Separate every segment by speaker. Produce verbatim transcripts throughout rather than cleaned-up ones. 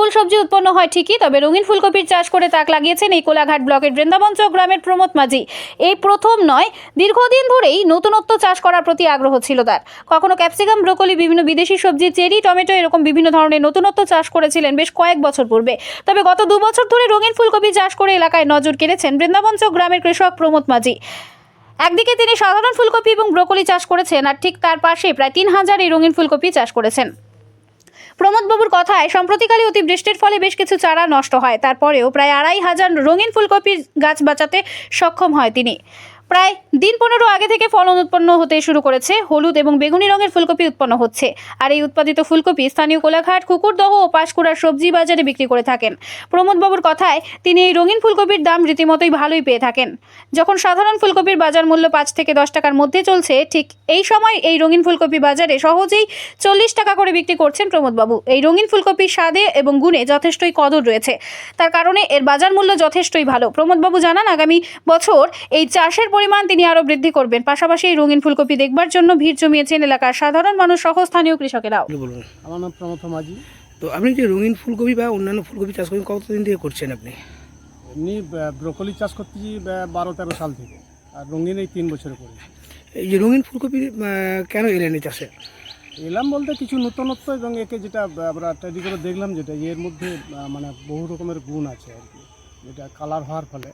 Speaker 1: ফুল সবজি উৎপন্ন হয় ঠিকই, তবে রঙিন ফুলকপির চাষ করে তাক লাগিয়েছেন এই কোলাঘাট ব্লকের বৃন্দাবনচক গ্রামের প্রমোদ মাঝি। এই প্রথম নয়, দীর্ঘদিন ধরেই নতুনত্ব চাষ করার প্রতি আগ্রহ ছিল তার। কখনো ক্যাপসিকাম, ব্রোকলি, বিভিন্ন বিদেশি সবজি, চেরি, টমেটো এরকম বিভিন্ন ধরনের নতুনত্ব চাষ করেছিলেন বেশ কয়েক বছর পূর্বে। তবে গত দু বছর ধরে রঙিন ফুলকপি চাষ করে এলাকায় নজর কেড়েছেন বৃন্দাবনচক গ্রামের কৃষক প্রমোদ মাঝি। একদিকে তিনি সাধারণ ফুলকপি এবং ব্রোকলি চাষ করেছেন, আর ঠিক তার পাশে প্রায় তিন হাজার এই রঙিন ফুলকপি চাষ করেছেন। প্রমোদবাবুর কথায় সম্প্রতিকালে অতিবৃষ্টির ফলে বেশ কিছু চারা নষ্ট হয়, তারপরেও প্রায় আড়াই হাজার রঙিন ফুলকপির গাছ বাঁচাতে সক্ষম হয় তিনি। প্রায় দিন পনেরো আগে থেকে ফলন উৎপন্ন হতে শুরু করেছে। হলুদ এবং বেগুনি রঙের ফুলকপি উৎপন্ন হচ্ছে, আর এই উৎপাদিত ফুলকপি স্থানীয় কোলাঘাট, কুকুরদহ ও পাঁশকুড়ার সবজি বাজারে বিক্রি করে থাকেন। প্রমোদবাবুর কথায় তিনি এই রঙিন ফুলকপির দাম রীতিমতোই ভালোই পেয়ে থাকেন। যখন সাধারণ ফুলকপির বাজার মূল্য পাঁচ থেকে দশ টাকার মধ্যে চলছে, ঠিক এই সময় এই রঙিন ফুলকপি বাজারে সহজেই চল্লিশ টাকা করে বিক্রি করছেন প্রমোদবাবু। এই রঙিন ফুলকপির স্বাদে এবং গুণে যথেষ্টই কদর রয়েছে, তার কারণে এর বাজার মূল্য যথেষ্টই ভালো। প্রমোদবাবু জানান, আগামী বছর এই চাষের পরিমাণ তিনি আরও বৃদ্ধি করবেন। পাশাপাশি এই রঙিন ফুলকপি দেখবার জন্য ভিড় জমিয়েছেন এলাকার সাধারণ মানুষ সহ স্থানীয় কৃষকেরাও।
Speaker 2: আমার নাম প্রমোদ মাঝি।
Speaker 3: তো আপনি যে রঙিন ফুলকপি বা অন্যান্য ফুলকপি চাষ করেন কতদিন থেকে করছেন আপনি?
Speaker 2: এমনি ব্রোকলি চাষ করতেছি বারো তেরো সাল থেকে, আর রঙিন এই তিন বছরে করেছি।
Speaker 3: এই যে রঙিন ফুলকপি কেন এলেন এই চাষে?
Speaker 2: এলাম বলতে কিছু নতুনত্ব, এবং একে যেটা আমরা তৈরি করে দেখলাম, যেটা এর মধ্যে মানে বহু রকমের গুণ আছে আর কি, যেটা কালার হওয়ার ফলে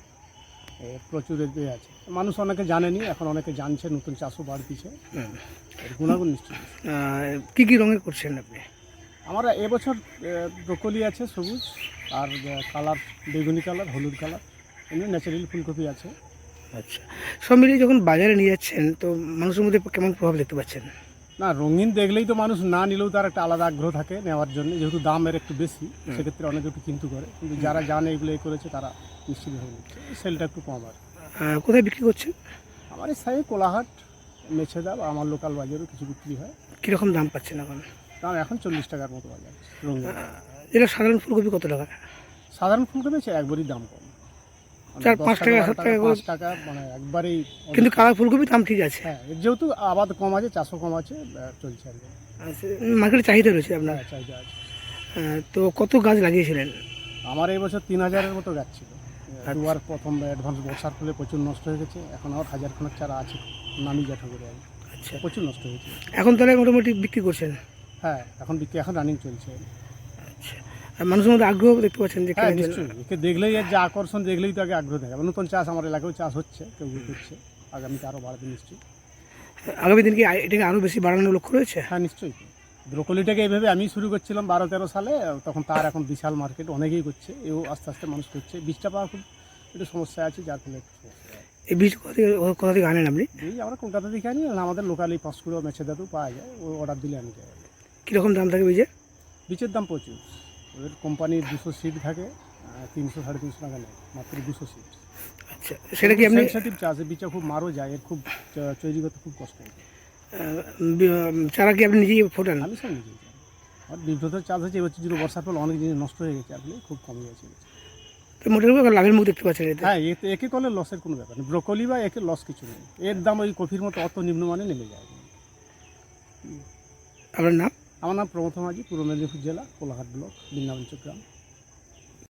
Speaker 2: প্রচুর এ আছে। মানুষ অনেকে জানেনি, এখন অনেকে জানছে, নতুন চাষও বাড়তিছে, এর গুণাগুণ নিশ্চয়ই।
Speaker 3: কী কী রঙের করছেন আপনি?
Speaker 2: আমরা এবছর ব্রোকলি আছে সবুজ, আর কালার বেগুনি কালার, হলুদ কালার, এমনি ন্যাচারাল ফুলকপি আছে।
Speaker 3: আচ্ছা, সব মিলিয়ে যখন বাজারে নিয়ে যাচ্ছেন তো মানুষের মধ্যে কেমন প্রভাব দেখতে পাচ্ছেন?
Speaker 2: না, রঙিন দেখলেই তো মানুষ না নিলেও তার একটা আলাদা আগ্রহ থাকে নেওয়ার জন্য, যেহেতু দাম এর একটু বেশি, সেক্ষেত্রে অনেকে একটু কিন্তু করে, কিন্তু যারা জানে এগুলো এ করেছে তারা নিশ্চিতভাবে নিচ্ছে, সেলটা একটু কম আর।
Speaker 3: কোথায় বিক্রি করছেন?
Speaker 2: আমার এই সাইড কোলাহাট, মেছেদা বা আমার লোকাল বাজারেও কিছু বিক্রি হয়।
Speaker 3: কীরকম দাম পাচ্ছেন এখন?
Speaker 2: দাম এখন চল্লিশ টাকার মতো বাজার রঙিন।
Speaker 3: এটা সাধারণ ফুলকপি কত টাকা?
Speaker 2: সাধারণ ফুলকপি আছে একবারই দাম কম,
Speaker 3: চার পাঁচ টাকা সাত টাকা
Speaker 2: পাঁচ টাকা মানে একবারেই।
Speaker 3: কিন্তু কালার ফুলকপির দাম ঠিক আছে।
Speaker 2: হ্যাঁ, যেহেতু আবাদ কম আছে, চাষও কম আছে, চলছে আর কি।
Speaker 3: মার্কেটে চাহিদা রয়েছে আপনার?
Speaker 2: হ্যাঁ, চাহিদা আছে।
Speaker 3: তো কত গাছ লাগিয়েছিলেন?
Speaker 2: আমার এই বছর তিন হাজারের মতো গাছ ছিল। দুবার প্রথম অ্যাডভান্স বর্ষার ফলে প্রচুর নষ্ট হয়ে গেছে, এখন আর হাজার খানেক চারা আছে, নামি জ্যাঠা করে আর।
Speaker 3: আচ্ছা,
Speaker 2: প্রচুর নষ্ট হয়েছে।
Speaker 3: এখন তাহলে মোটামুটি বিক্রি করছেন?
Speaker 2: হ্যাঁ, এখন বিক্রি, এখন রানিং চলছে।
Speaker 3: আচ্ছা, আর মানুষের মধ্যে আগ্রহ দেখতে পাচ্ছেন যে?
Speaker 2: হ্যাঁ, নিশ্চয়ই। একে দেখলেই এর যে আকর্ষণ, দেখলেই তো আগে আগ্রহ থাকে। নতুন চাষ আমার এলাকায় চাষ হচ্ছে, কেউ করছে, আগামীতে আরও বাড়বে নিশ্চয়ই।
Speaker 3: আগামী দিন কি এটাকে আরও বেশি বাড়ানোর লক্ষ্য রয়েছে?
Speaker 2: হ্যাঁ, নিশ্চয়ই। ব্রোকলিটাকে এইভাবে আমি শুরু করছিলাম বারো তেরো সালে, তখন তার এখন বিশাল মার্কেট, অনেকেই করছে, এও আস্তে আস্তে মানুষ করছে। বীজটা পাওয়া খুব একটু সমস্যা আছে, যার ফলে একটু সমস্যা।
Speaker 3: এই বীজ কোথা থেকে কোথা থেকে আনেন আপনি?
Speaker 2: বীজ আমরা কলকাতা থেকে আনি, আমাদের লোকালি পাঁশকুড়া মেছেদাতেও পাওয়া যায়, ও অর্ডার দিলে আমি যাই।
Speaker 3: কীরকম দাম থাকে বীজের?
Speaker 2: বীজের দাম প্রচুর, ওদের কোম্পানির দুশো সিট থাকে, তিনশো সাড়ে তিনশো টাকা নেয় মাত্র দুশো সিট।
Speaker 3: আচ্ছা, সেটা কি আপনি?
Speaker 2: সেন্সিটিভ চাষ, বীজটা খুব মারও যায়, এর খুব তৈরি করতে খুব কষ্ট হয়।
Speaker 3: চারা কি আপনি নিজেই ফোটান?
Speaker 2: আমি সব নিজেই যাই। আর বিভ্রতর চাষ হচ্ছে এবছর, যদি বর্ষার ফলে অনেক জিনিস নষ্ট হয়ে গেছে, আসলে খুব কমে গেছে।
Speaker 3: তো মোটামুটি লাভের মুখ দেখতে পাচ্ছেন এতে?
Speaker 2: হ্যাঁ, এতে একে করলে লসের কোনো ব্যাপার নেই। ব্রোকলি বা একে লস কিছু নেই, এর দাম ওই কফির মতো অত নিম্নমানে নেমে যায়।
Speaker 3: আপনার নাম?
Speaker 2: আমার নাম প্রমোদ মাঝি, পূর্ব মেদিনীপুর জেলা, কোলাঘাট ব্লক, বৃন্দাবনচক গ্রাম।